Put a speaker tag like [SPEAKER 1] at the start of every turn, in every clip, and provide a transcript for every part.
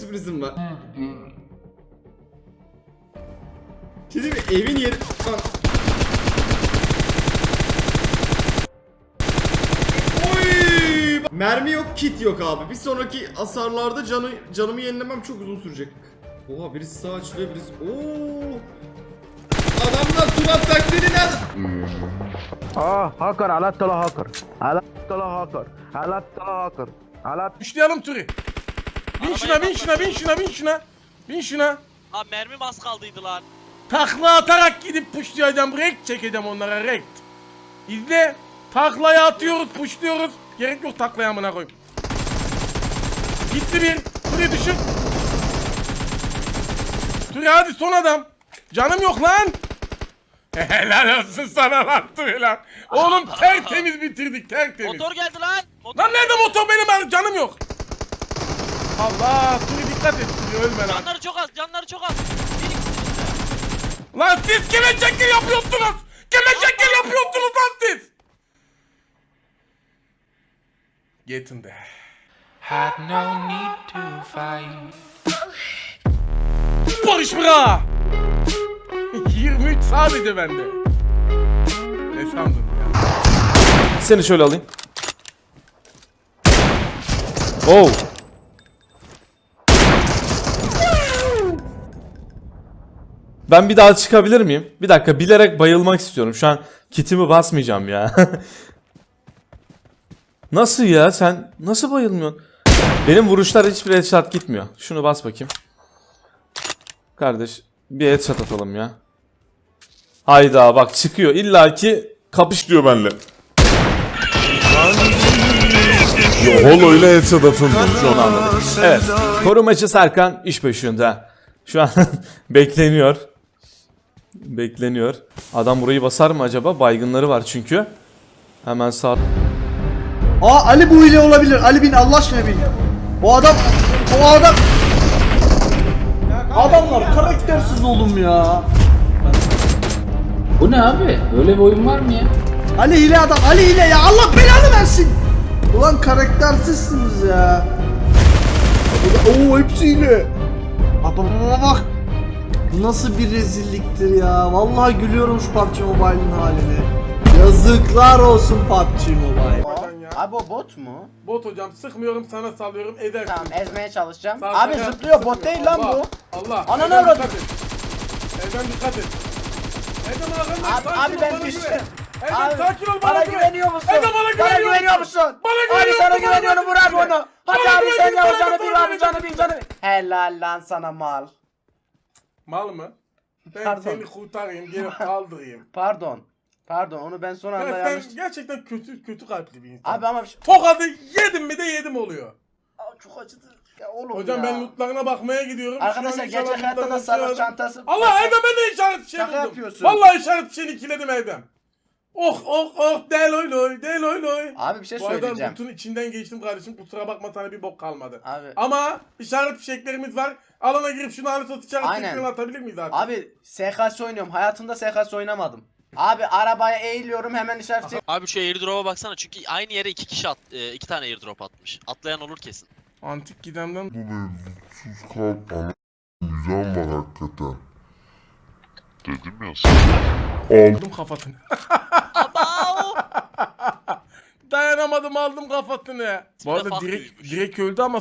[SPEAKER 1] sürprizim var. Şimdi evin yeri... Oy! Mermi yok, kit yok abi. Bir sonraki hasarlarda canımı yenilemem çok uzun sürecek. Oha, birisi sağ açılıyor, birisi... Oo! Adamlar Turan taktiğini nerede?
[SPEAKER 2] Hacker, alattala hacker. Alattala hacker. Alattala hacker.
[SPEAKER 3] Düşleyelim Turi. Bin şuna. Bin şuna.
[SPEAKER 4] Abi mermim az kaldıydı lan.
[SPEAKER 3] Takla atarak gidip pushlayacağım. Rekt çekeceğim onlara rekt. İzle. Taklayı atıyoruz, pushluyoruz. Gerek yok taklaya amına koyayım. Gitti bir. Turi düşün. Turi hadi son adam. Canım yok lan. Helal olsun sana lan Turi lan. Oğlum tertemiz bitirdik, tertemiz.
[SPEAKER 4] Motor geldi lan. Motor
[SPEAKER 3] Lan nerede motor benim, canım yok. Allah, Turi dikkat et Turi, ölme lan.
[SPEAKER 4] Canları çok az.
[SPEAKER 3] Lan siz kime şekil yapıyorsunuz? Kime şekil yapıyorsunuz lan siz? Getin de.
[SPEAKER 5] Had no need to fight.
[SPEAKER 3] Barış bıra! 23 sadece bende. Ne sandın ya?
[SPEAKER 6] Seni şöyle alayım. Oh. Ben bir daha çıkabilir miyim? Bir dakika, bilerek bayılmak istiyorum. Şu an kitimi basmayacağım ya. Nasıl ya? Sen nasıl bayılmıyorsun? Benim vuruşlar hiçbir headshot gitmiyor. Şunu bas bakayım. Kardeş bir headshot atalım ya. Hayda bak çıkıyor. İlla ki kapış diyor benimle. Holo ile headshot atıldı. Şu an anladım. Evet. Korumacı Serkan iş başında. Şu an bekleniyor. Bekleniyor. Adam burayı basar mı acaba? Baygınları var çünkü. Hemen sağ.
[SPEAKER 7] Ali bu hile olabilir. Ali bin, Allah aşkına bin. O adam. Adamlar karaktersiz oğlum ya.
[SPEAKER 8] Bu ne abi? Böyle bir oyun var mı ya?
[SPEAKER 7] Ali hile adam. Ali hile ya. Allah belanı versin. Ulan karaktersizsiniz ya. Oo, hepsi hile. Bak. Nasıl bir rezilliktir ya. Vallahi gülüyorum şu PUBG Mobile'ın haline. Yazıklar olsun PUBG Mobile.
[SPEAKER 9] Abi o bot mu?
[SPEAKER 3] Bot hocam, sıkmıyorum, sana sallıyorum, edersin.
[SPEAKER 9] Tamam, ezmeye çalışacağım.
[SPEAKER 3] Sağ
[SPEAKER 9] Abi
[SPEAKER 3] sana
[SPEAKER 9] zıplıyor,
[SPEAKER 3] sıkıntı
[SPEAKER 9] bot değil
[SPEAKER 3] yok.
[SPEAKER 9] lan
[SPEAKER 3] Allah,
[SPEAKER 9] bu.
[SPEAKER 3] Allah.
[SPEAKER 9] Ananı
[SPEAKER 3] Erdem
[SPEAKER 9] avradım.
[SPEAKER 3] dikkat et. Erdem dikkat et. Erdem arkadaş,
[SPEAKER 9] Abi ben düştüm.
[SPEAKER 3] Erdem sakin ol,
[SPEAKER 9] bana
[SPEAKER 3] güven.
[SPEAKER 9] güveniyor musun?
[SPEAKER 3] Erdem bana
[SPEAKER 9] güveniyor musun?
[SPEAKER 3] Bana
[SPEAKER 9] Abi
[SPEAKER 3] güveniyor
[SPEAKER 9] sana
[SPEAKER 3] musun?
[SPEAKER 9] güveniyorum, vur abi onu. Hadi
[SPEAKER 3] Bana
[SPEAKER 9] abi sen
[SPEAKER 3] güveniyor,
[SPEAKER 9] yap canı
[SPEAKER 3] bana
[SPEAKER 9] bir, abi canı bir. Helal lan sana mal.
[SPEAKER 3] Mal mı? Ben
[SPEAKER 9] Pardon.
[SPEAKER 3] seni kurtarayım, gelip kaldırayım.
[SPEAKER 9] Pardon onu ben son anda
[SPEAKER 3] Ya
[SPEAKER 9] yanlış.
[SPEAKER 3] sen gerçekten kötü kalpli bir insan.
[SPEAKER 9] Abi ama bir şey...
[SPEAKER 3] Tokadı yedim mi de yedim oluyor.
[SPEAKER 9] Çok acıdı. Ya oğlum
[SPEAKER 3] Hocam
[SPEAKER 9] ya.
[SPEAKER 3] ben lootlarına bakmaya gidiyorum.
[SPEAKER 9] Arkadaşlar
[SPEAKER 3] Şu an
[SPEAKER 9] gerçek hayatta da
[SPEAKER 3] lootlarına
[SPEAKER 9] savaş
[SPEAKER 3] bakıyorum.
[SPEAKER 9] çantası.
[SPEAKER 3] Allah Erdem, ben de işaret fişeği
[SPEAKER 9] Şaka
[SPEAKER 3] buldum.
[SPEAKER 9] yapıyorsun.
[SPEAKER 3] Vallahi işaret fişeğini ikiledim Erdem. Oh del oy loy.
[SPEAKER 9] Abi bir şey
[SPEAKER 3] Bu arada
[SPEAKER 9] söyleyeceğim.
[SPEAKER 3] lootun içinden geçtim kardeşim, kusura bakma, sana bir bok kalmadı.
[SPEAKER 9] Abi.
[SPEAKER 3] Ama işaret fişeklerimiz var. Alana girip şunu anı işaret
[SPEAKER 9] Aynen.
[SPEAKER 3] fişeklerini atabilir miyiz artık?
[SPEAKER 9] Abi SKS oynuyorum. Hayatımda SKS oynamadım. Abi arabaya eğiliyorum hemen işaret çek.
[SPEAKER 4] Abi şu airdrop'a baksana çünkü aynı yere iki tane airdrop atmış. Atlayan olur kesin.
[SPEAKER 3] Antik gidemden
[SPEAKER 10] Sus kal güzel var hakikaten. Dedim ya
[SPEAKER 3] aldım kafasını. Dayanamadım, aldım kafasını. Bu arada
[SPEAKER 4] Fuck
[SPEAKER 3] direkt öldü ama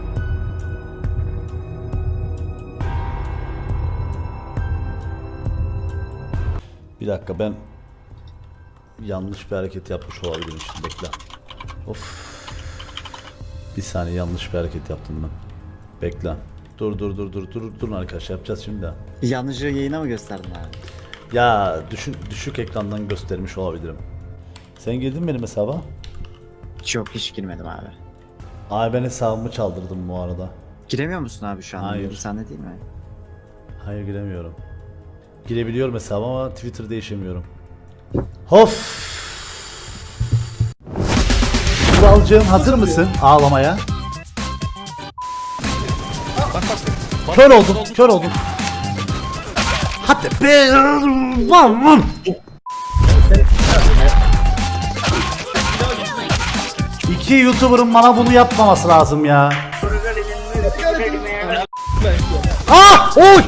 [SPEAKER 11] Bir dakika, ben yanlış bir hareket yapmış olabilirim şimdi, bekle. Of. Bir saniye, yanlış bir hareket yaptım ben. Bekle. Dur arkadaşlar, yapacağız şimdi.
[SPEAKER 8] Yanlışı yayına mı gösterdin abi?
[SPEAKER 11] Ya düşük ekrandan göstermiş olabilirim. Sen girdin benim hesaba?
[SPEAKER 8] Yok, hiç girmedim abi.
[SPEAKER 11] Abi ben hesabımı çaldırdım bu arada.
[SPEAKER 8] Giremiyor musun abi şu an?
[SPEAKER 11] Hayır.
[SPEAKER 8] Sende değil mi?
[SPEAKER 11] Hayır, giremiyorum. Girebiliyorum hesaba ama Twitter değişemiyorum. Of! Kuralcığım, hazır mısın ağlamaya? Kör oldum. Hadi be! Lan! İki YouTuber'ın bana bunu yapmaması lazım ya. Ah! Oy!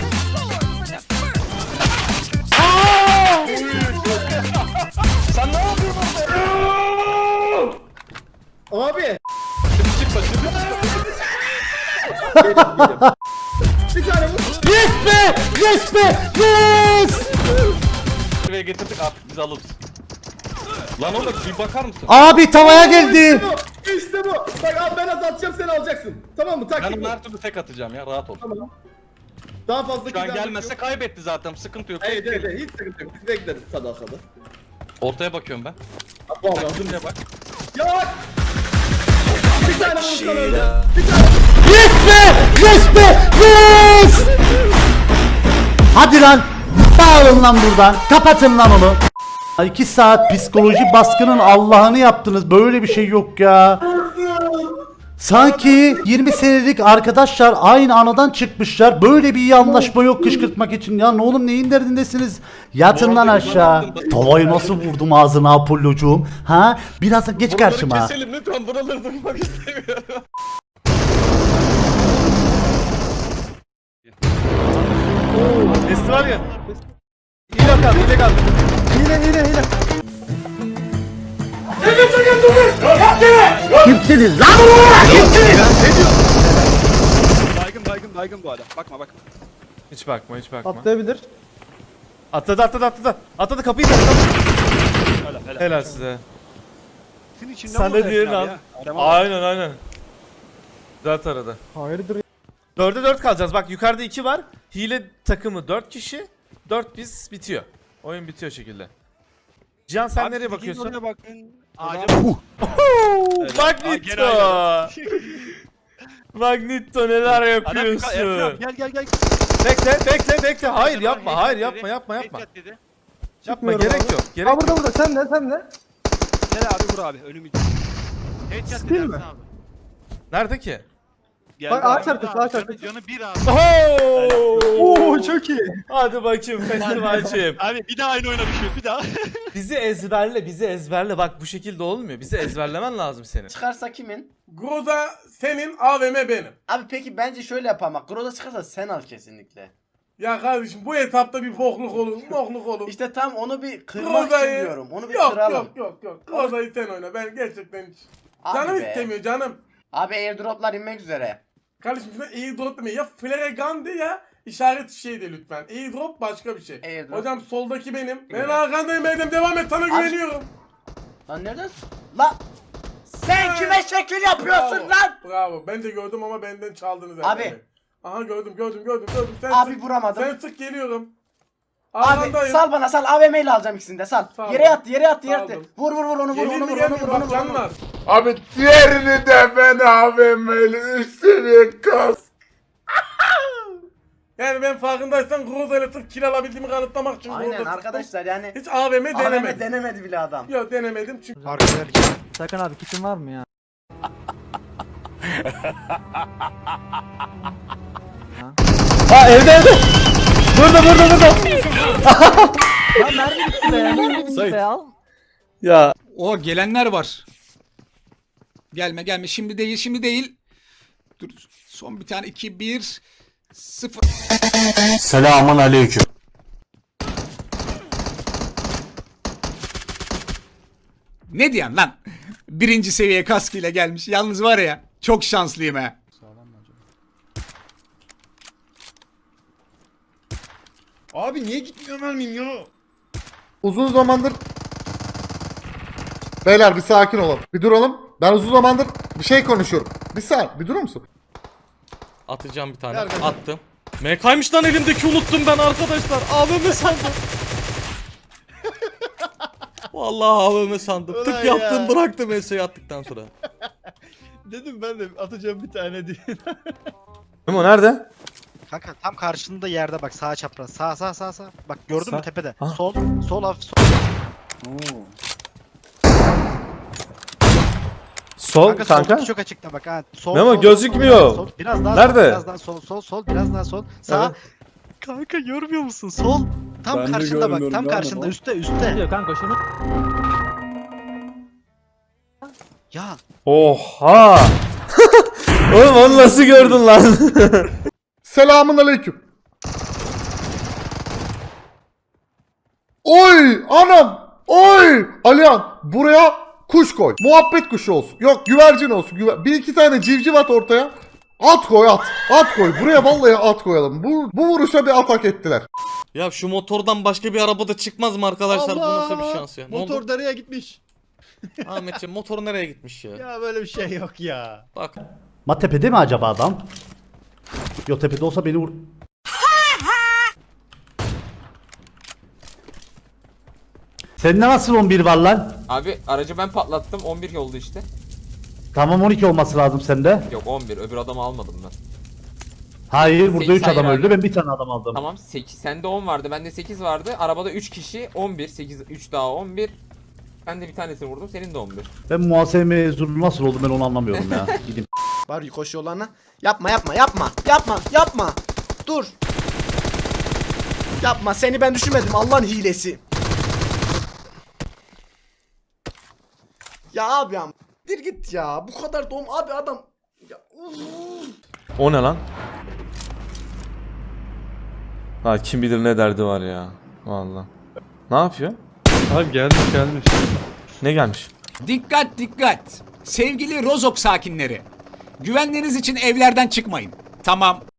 [SPEAKER 1] Abi.
[SPEAKER 11] Yes be! Yes be! Yes!
[SPEAKER 3] Buraya getirdik artık biz alırız. Lan oğlum bir bakar mısın?
[SPEAKER 11] Abi tavaya geldi.
[SPEAKER 1] İşte bu. Bak abi ben atacağım sen alacaksın. Tamam mı? Taktik
[SPEAKER 3] Ben
[SPEAKER 1] bu.
[SPEAKER 3] her türlü tek atacağım ya rahat ol.
[SPEAKER 1] Tamam. Daha fazla
[SPEAKER 3] Şu an
[SPEAKER 1] kilden
[SPEAKER 3] gelmezse
[SPEAKER 1] yok.
[SPEAKER 3] kaybetti zaten sıkıntı yok.
[SPEAKER 1] Evet evet hiç sıkıntı yok. Biz bekleriz sadakada.
[SPEAKER 3] Ortaya bakıyorum ben.
[SPEAKER 1] Vallahi hazır
[SPEAKER 3] Şuraya bak.
[SPEAKER 1] Ya! Bir tane vursan öyle.
[SPEAKER 11] Yes be! Yes be! Yes! Hadi lan! Dağılın lan buradan. Kapatın lan onu. 2 saat psikoloji baskının Allah'ını yaptınız. Böyle bir şey yok ya. Sanki 20 senelik arkadaşlar aynı anadan çıkmışlar. Böyle bir iyi anlaşma yok kışkırtmak için. Ya ne oğlum neyin derdindesiniz? Yatın lan aşağı. Tavayı nasıl vurdum ağzına Apollocuğum? Ha? Biraz da geç karşıma.
[SPEAKER 3] Buraları keselim lütfen buraları durmak istemiyorum.
[SPEAKER 1] Nesi var ya? Hile kal, hile kal. Hile.
[SPEAKER 11] Kimsiniz lan?
[SPEAKER 3] Baygın bu adam. Bakma.
[SPEAKER 6] Hiç bakma hiç bakma.
[SPEAKER 7] Atlayabilir.
[SPEAKER 6] Atladı. Atladı kapıyı da. Helal size. Sen de diğerini al. Aynen. Güzel taradı.
[SPEAKER 7] Hayırdır?
[SPEAKER 6] 4'e 4 kalacağız. Bak yukarıda 2 var. Hile takımı 4 kişi. 4 biz bitiyor. Oyun bitiyor şekilde. Cihan sen nereye bakıyorsun? Magnito. Magnito neler yapıyorsun?
[SPEAKER 3] Gel.
[SPEAKER 6] Bekle. Hayır yapma. Yapma. Yapma gerek yok. Gerek yok.
[SPEAKER 7] Burada sen ne?
[SPEAKER 3] Gel abi vur abi önümü.
[SPEAKER 7] Değil mi?
[SPEAKER 6] Nerede ki?
[SPEAKER 7] Bak ağaç arkası.
[SPEAKER 3] Canı bir abi.
[SPEAKER 7] Oo çok iyi.
[SPEAKER 6] Hadi bakayım festivalciğim.
[SPEAKER 3] Abi bir daha aynı oyuna düşüyor bir daha.
[SPEAKER 6] bizi ezberle. Bak bu şekilde olmuyor. Bizi ezberlemen lazım senin.
[SPEAKER 9] Çıkarsa kimin?
[SPEAKER 3] Groza senin, AVM benim.
[SPEAKER 9] Abi peki bence şöyle yapalım bak. Groza çıkarsa sen al kesinlikle.
[SPEAKER 3] Ya kardeşim bu etapta bir bokluk olur.
[SPEAKER 9] İşte tam onu bir kırmak için diyorum. Onu bir kıralım.
[SPEAKER 3] Yok. Groza'yı sen oyna. Ben gerçekten hiç.
[SPEAKER 9] Abi
[SPEAKER 3] Canım
[SPEAKER 9] be.
[SPEAKER 3] istemiyor canım.
[SPEAKER 9] Abi airdroplar inmek üzere.
[SPEAKER 3] Kardeşim lütfen airdrop demeyin. Ya flare gun de ya işaret şey de lütfen. Airdrop başka bir şey.
[SPEAKER 9] Airdrop.
[SPEAKER 3] Hocam soldaki benim. Ben
[SPEAKER 9] Evet.
[SPEAKER 3] arkandayım Erdem devam et sana güveniyorum.
[SPEAKER 9] Lan nereden? La sen kime şekil yapıyorsun lan?
[SPEAKER 3] Bravo. Ben de gördüm ama benden çaldınız
[SPEAKER 9] Abi.
[SPEAKER 3] Erdem Bey. Aha gördüm. Sen
[SPEAKER 9] Abi
[SPEAKER 3] sık,
[SPEAKER 9] vuramadım.
[SPEAKER 3] Sen sık geliyorum.
[SPEAKER 9] Abi
[SPEAKER 3] Arkandayım.
[SPEAKER 9] sal bana sal AVM ile alacağım ikisini de sal.
[SPEAKER 3] Sağ ol.
[SPEAKER 9] Yere yattı.
[SPEAKER 3] Saldım.
[SPEAKER 9] Vur onu vur.
[SPEAKER 3] Bak canlar.
[SPEAKER 10] Abi diğerini de ben AVM'li üst seviye kas.
[SPEAKER 3] Yani ben farkındaysan Groza ile sırf kill alabildiğimi kanıtlamak için
[SPEAKER 9] Aynen
[SPEAKER 3] Groza
[SPEAKER 9] arkadaşlar yani.
[SPEAKER 3] sıktım. Hiç AVM denemedim.
[SPEAKER 9] AVM denemedi bile adam.
[SPEAKER 3] Yok denemedim çünkü.
[SPEAKER 7] Sakın abi kitin var mı ya?
[SPEAKER 11] Ha evde. Burada.
[SPEAKER 7] Ya mermi bitti be. Mermi bitti be al.
[SPEAKER 11] Ya
[SPEAKER 12] O gelenler var. Gelme. Şimdi değil. Dur. Son bir tane 2 1 0.
[SPEAKER 11] selamun aleyküm.
[SPEAKER 12] Ne diyen lan? Birinci seviye kaskıyla gelmiş. Yalnız var ya çok şanslıyım he.
[SPEAKER 1] Abi niye gitmiyor mermim ya?
[SPEAKER 2] Uzun zamandır... Beyler bir sakin olalım. Bir duralım. Ben uzun zamandır bir şey konuşuyorum. Bir saniye bir durur musun?
[SPEAKER 3] Atacağım bir tane. Attım. MK'ymış lan elimdeki unuttum ben arkadaşlar. AVM sandım. Vallahi AVM sandım.
[SPEAKER 1] Ulan
[SPEAKER 3] Tık
[SPEAKER 1] ya.
[SPEAKER 3] yaptım bıraktım ESA'yı attıktan sonra.
[SPEAKER 1] Dedim ben de atacağım bir tane diye.
[SPEAKER 6] Memo nerede?
[SPEAKER 8] Kanka tam karşında yerde bak sağ çapraz. Sağ. Bak gördün mü tepede?
[SPEAKER 6] Ha.
[SPEAKER 8] Sol hafif sol.
[SPEAKER 6] Sol kanka.
[SPEAKER 8] soldaki çok açıkta bak ha. Sol.
[SPEAKER 6] Memo, gözükmüyor.
[SPEAKER 8] Sol. Biraz daha
[SPEAKER 6] Nerede?
[SPEAKER 8] Sol, biraz daha sol. Biraz daha sol. Sağ.
[SPEAKER 6] Evet.
[SPEAKER 8] Kanka görmüyor musun? Sol. Tam karşında bak. Tam karşında üstte.
[SPEAKER 7] Diyor kanka şunu.
[SPEAKER 8] Ya
[SPEAKER 6] Oha. Oğlum onu nasıl gördün lan?
[SPEAKER 2] Selamun aleyküm. Oy anam. Oy Alihan buraya kuş koy. Muhabbet kuşu olsun. Yok güvercin olsun. Bir iki tane civciv at ortaya. At koy at. At koy. Buraya vallahi at koyalım. Bu vuruşa bir atak ettiler.
[SPEAKER 3] Ya şu motordan başka bir arabada çıkmaz mı arkadaşlar? Bu nasıl bir şans ya? Ne oldu?
[SPEAKER 7] Motor nereye gitmiş?
[SPEAKER 3] Ahmetciğim motor nereye gitmiş ya?
[SPEAKER 7] Ya böyle bir şey yok ya.
[SPEAKER 3] Bak.
[SPEAKER 11] Ma tepede mi acaba adam? Yo tepede olsa beni vur. Sende nasıl 11 var lan?
[SPEAKER 5] Abi aracı ben patlattım 11 oldu işte.
[SPEAKER 11] Tamam 12 olması lazım sende.
[SPEAKER 5] Yok 11 öbür adamı almadım ben.
[SPEAKER 11] Hayır burada 3
[SPEAKER 5] Hayır
[SPEAKER 11] adam
[SPEAKER 5] abi.
[SPEAKER 11] öldü ben bir tane adam aldım.
[SPEAKER 5] Tamam 8 sende 10 vardı bende 8 vardı. Arabada 3 kişi 11 8 3 daha 11. Ben de bir tanesini vurdum senin de 11.
[SPEAKER 11] Ben muhasebe mezunu nasıl oldum ben onu anlamıyorum ya. Gideyim.
[SPEAKER 7] Var koş yollarına. Yapma yapma yapma. Yapma yapma. Dur. Yapma seni ben düşünmedim Allah'ın hilesi. Ya abi ya. Bir git ya. Bu kadar doğum abi adam. Ya,
[SPEAKER 6] O ne lan? Ha kim bilir ne derdi var ya. Vallahi. Ne yapıyor?
[SPEAKER 3] Abi gelmiş.
[SPEAKER 6] Ne gelmiş?
[SPEAKER 12] Dikkat dikkat. Sevgili Rozok sakinleri. Güvenliğiniz için evlerden çıkmayın. Tamam.